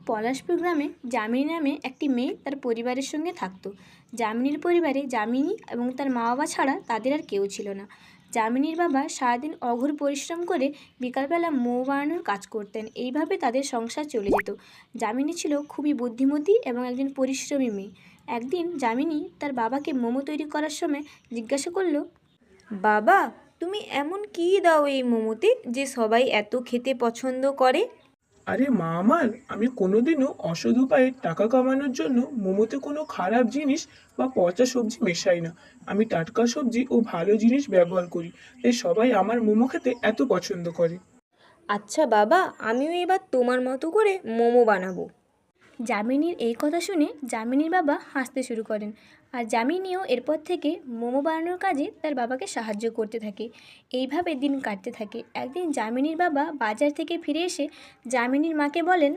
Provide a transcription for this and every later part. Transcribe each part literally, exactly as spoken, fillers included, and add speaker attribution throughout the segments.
Speaker 1: পলাশপুর গ্রামে যামিনী নামে একটি মেয়ে তার পরিবারের সঙ্গে থাকতো। যামিনীর পরিবারে যামিনী এবং তার মা বাবা ছাড়া তাদের আর কেউ ছিল না। যামিনীর বাবা সারাদিন অঘোর পরিশ্রম করে বিকালবেলা মৌ বানানোর কাজ করতেন। এইভাবে তাদের সংসার চলে যেত। যামিনী ছিল খুবই বুদ্ধিমতী এবং একজন পরিশ্রমী মেয়ে। একদিন যামিনী তার বাবাকে মোমো তৈরি করার সময় জিজ্ঞাসা করলো,
Speaker 2: বাবা, তুমি এমন কী দাও এই মোমোতে যে সবাই এত খেতে পছন্দ করে?
Speaker 3: আরে মা আমার, আমি কোনোদিনও অসৎ উপায়ে টাকা কামানোর জন্য মোমোতে কোনো খারাপ জিনিস বা পচা সবজি মেশাই না। আমি টাটকা সবজি ও ভালো জিনিস ব্যবহার করি, তাই সবাই আমার মোমো খেতে এত পছন্দ করে।
Speaker 2: আচ্ছা বাবা, আমিও এবার তোমার মতো করে মোমো বানাবো।
Speaker 1: যামিনীর এই কথা শুনে যামিনীর বাবা হাসতে শুরু করেন। আর যামিনীও এরপর থেকে মোমো বানানোর কাজে তার বাবাকে সাহায্য করতে থাকে। এইভাবে দিন কাটতে থাকে। একদিন যামিনীর বাবা বাজার থেকে ফিরে এসে যামিনীর মাকে বলেন,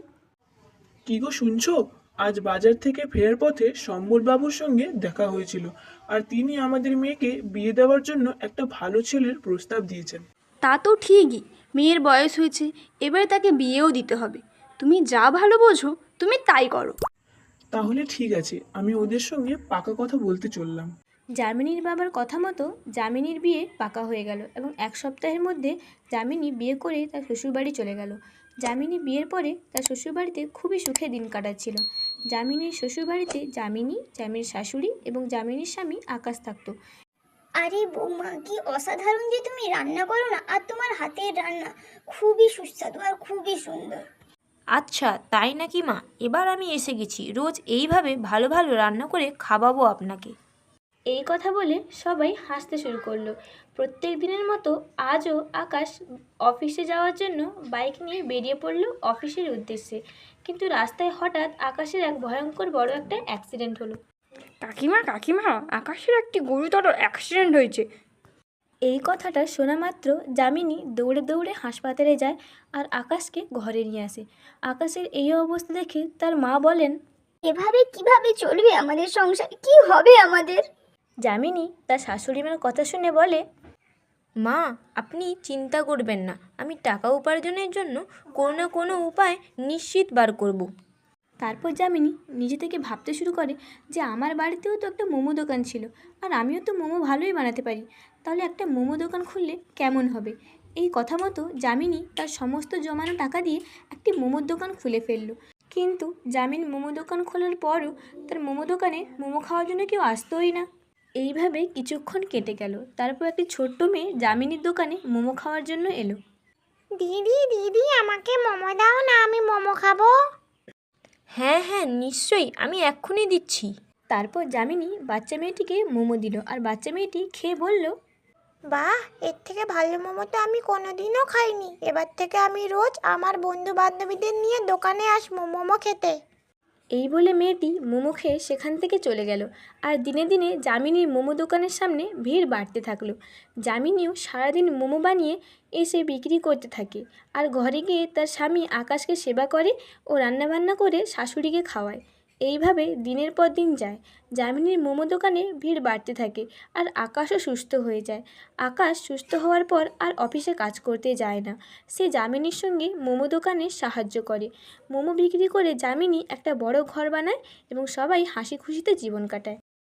Speaker 3: কি গো শুনছো? আজ বাজার থেকে ফেরার পথে সম্বল বাবুর সঙ্গে দেখা হয়েছিল, আর তিনি আমাদের মেয়েকে বিয়ে দেওয়ার জন্য একটা ভালো ছেলের প্রস্তাব দিয়েছেন।
Speaker 4: তা তো ঠিকই, মেয়ের বয়স হয়েছে, এবারে তাকে বিয়েও দিতে হবে। তুমি যা ভালো বোঝো তুমি তাই করো।
Speaker 3: তাহলে ঠিক আছে, আমি ওদের সঙ্গে পাকা কথা বলতে চললাম।
Speaker 1: যামিনীর বাবার কথা মতো যামিনীর বিয়ে পাকা হয়ে গেল এবং এক সপ্তাহের মধ্যে যামিনী বিয়ে করে তার শ্বশুরবাড়ি চলে গেল। যামিনী বিয়ের পরে তার শ্বশুরবাড়িতে খুবই সুখে দিন কাটাচ্ছিল। যামিনীর শ্বশুরবাড়িতে যামিনী, যামিনীর শাশুড়ি এবং যামিনীর স্বামী আকাশ থাকতো।
Speaker 5: আরে বৌমা, কি অসাধারণ যে তুমি রান্না করো না! আর তোমার হাতের রান্না খুবই সুস্বাদু আর খুবই সুন্দর।
Speaker 2: আচ্ছা তাই নাকি মা? এবার আমি এসে গেছি, রোজ এইভাবে ভালো ভালো রান্না করে খাওয়াবো আপনাকে।
Speaker 1: এই কথা বলে সবাই হাসতে শুরু করলো। প্রত্যেক দিনের মতো আজও আকাশ অফিসে যাওয়ার জন্য বাইক নিয়ে বেরিয়ে পড়ল অফিসের উদ্দেশ্যে। কিন্তু রাস্তায় হঠাৎ আকাশের এক ভয়ঙ্কর বড় একটা অ্যাক্সিডেন্ট হলো।
Speaker 4: কাকিমা কাকিমা আকাশের একটি গুরুতর অ্যাক্সিডেন্ট হয়েছে।
Speaker 1: এই কথাটা শোনা মাত্র যামিনী দৌড়ে দৌড়ে হাসপাতালে যায় আর আকাশকে ঘরে নিয়ে আসে। আকাশের এই অবস্থা দেখে তার মা বলেন,
Speaker 5: এভাবে কিভাবে চলবে আমাদের সংসার? কি হবে আমাদের?
Speaker 1: যামিনী তার শাশুড়ি মার কথা শুনে বলে,
Speaker 2: মা, আপনি চিন্তা করবেন না, আমি টাকা উপার্জনের জন্য কোনো না কোনো উপায় নিশ্চিত বার করব।
Speaker 1: তারপর যামিনী নিজে থেকে ভাবতে শুরু করে যে আমার বাড়িতেও তো একটা মোমো দোকান ছিল, আর আমিও তো মোমো ভালোই বানাতে পারি, তাহলে একটা মোমো দোকান খুললে কেমন হবে। এই কথা মতো যামিনী তার সমস্ত জমানো টাকা দিয়ে একটি মোমোর দোকান খুলে ফেললো। কিন্তু যামিনী মোমো দোকান খোলার পরও তার মোমো দোকানে মোমো খাওয়ার জন্য কেউ আসতোই না। এইভাবে কিছুক্ষণ কেটে গেল। তারপর একটি ছোট্ট মেয়ে যামিনীর দোকানে মোমো খাওয়ার জন্য এলো।
Speaker 5: দিদি দিদি, আমাকে মোমো দাও না, আমি মোমো খাবো।
Speaker 2: হ্যাঁ হ্যাঁ নিশ্চয়ই, আমি এক্ষুনি দিচ্ছি।
Speaker 1: তারপর যামিনী বাচ্চা মেয়েটিকে মোমো দিল আর বাচ্চা মেয়েটি খেয়ে বলল,
Speaker 5: বাহ, এর থেকে ভালো মোমো তো আমি কোনোদিনও খাইনি। এবার থেকে আমি রোজ আমার বন্ধু বান্ধবীদের নিয়ে দোকানে আসবো মোমো খেতে।
Speaker 1: এই বলে মেয়েটি মোমো খেয়ে সেখান থেকে চলে গেল। আর দিনে দিনে যামিনীর মোমো দোকানের সামনে ভিড় বাড়তে থাকলো। যামিনীও সারাদিন মোমো বানিয়ে এসে বিক্রি করতে থাকে আর ঘরে গিয়ে তার স্বামী আকাশকে সেবা করে ও রান্নাবান্না করে শাশুড়িকে খাওয়ায়। এইভাবে দিনের পর দিন যায়। যামিনীর মোমো দোকানে ভিড় বাড়তে থাকে আর আকাশও সুস্থ হয়ে যায়। আকাশ সুস্থ হওয়ার পর আর অফিসে কাজ করতে যায় না। সে যামিনীর সঙ্গে মোমো দোকানে সাহায্য করে। মোমো বিক্রি করে যামিনী একটা বড় ঘর বানায় এবং সবাই হাসি খুশিতে জীবন কাটায়।